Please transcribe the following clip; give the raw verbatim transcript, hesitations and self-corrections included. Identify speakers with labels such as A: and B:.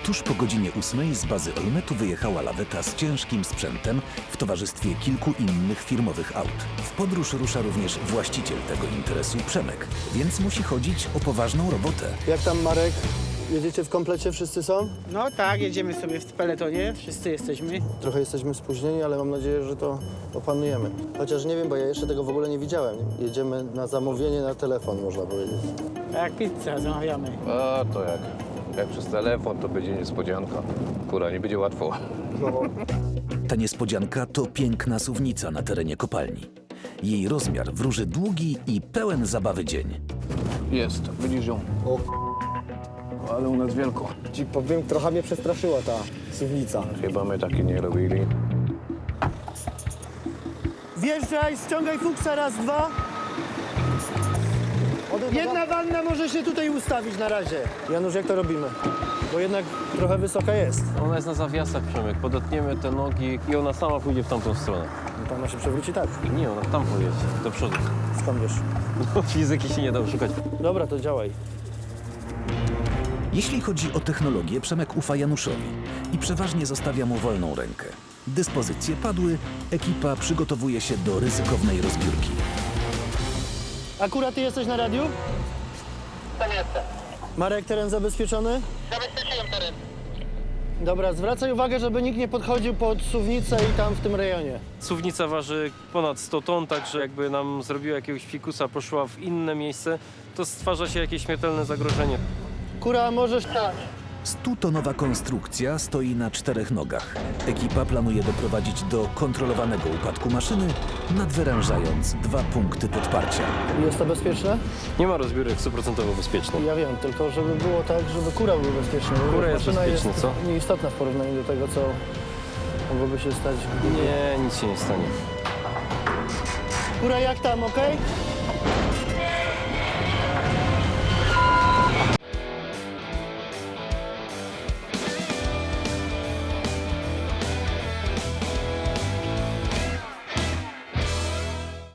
A: Tuż po godzinie ósmej z bazy Olmetu wyjechała laweta z ciężkim sprzętem w towarzystwie kilku innych firmowych aut. W podróż rusza również właściciel tego interesu, Przemek, więc musi chodzić o poważną robotę.
B: Jak tam, Marek? Jedziecie w komplecie? Wszyscy są?
C: No tak, jedziemy sobie w peletonie, wszyscy jesteśmy.
B: Trochę jesteśmy spóźnieni, ale mam nadzieję, że to opanujemy. Chociaż nie wiem, bo ja jeszcze tego w ogóle nie widziałem. Jedziemy na zamówienie na telefon, można powiedzieć.
C: A jak pizzę zamawiamy.
D: A to jak? Jak przez telefon, to będzie niespodzianka. Kura, nie będzie łatwo.
A: Ta niespodzianka to piękna suwnica na terenie kopalni. Jej rozmiar wróży długi i pełen zabawy dzień.
D: Jest, widzisz ją?
B: O,
D: Ale u nas wielko.
B: ci powiem, trochę mnie przestraszyła ta suwnica.
D: Chyba my takie nie robili.
B: Wjeżdżaj, ściągaj fuksa, raz, dwa. Jedna wanna może się tutaj ustawić na razie. Janusz, jak to robimy? Bo jednak trochę wysoka jest.
E: Ona jest na zawiasach, Przemek. Podetniemy te nogi i ona sama pójdzie w tamtą stronę.
B: No, Tam ma się przewróci tak.
E: Nie, ona tam pojedzie, do przodu.
B: Skąd wiesz?
E: No, fizyki się nie da oszukać.
B: Dobra, to działaj.
A: Jeśli chodzi o technologię, Przemek ufa Januszowi i przeważnie zostawia mu wolną rękę. Dyspozycje padły, ekipa przygotowuje się do ryzykownej rozbiórki.
B: Akurat ty jesteś na radiu?
F: Tak jestem.
B: Marek, teren zabezpieczony?
F: Zabezpieczyłem teren.
B: Dobra, zwracaj uwagę, żeby nikt nie podchodził pod suwnicę i tam w tym rejonie.
E: Suwnica waży ponad sto ton, także jakby nam zrobiła jakiegoś fikusa, poszła w inne miejsce, to stwarza się jakieś śmiertelne zagrożenie.
B: Kura, możesz...
A: Stutonowa konstrukcja stoi na czterech nogach. Ekipa planuje doprowadzić do kontrolowanego upadku maszyny, nadwyrężając dwa punkty podparcia.
B: Jest to bezpieczne?
E: Nie ma rozbiórek stuprocentowo bezpiecznych.
B: Ja wiem, tylko żeby było tak, żeby kura był bezpieczny. bo
E: Kura jest
B: maszyna
E: bezpieczna,
B: jest
E: co?
B: nieistotna w porównaniu do tego, co mogłoby się stać. gdyby-
E: Nie, nic się nie stanie.
B: Kura, jak tam, okej?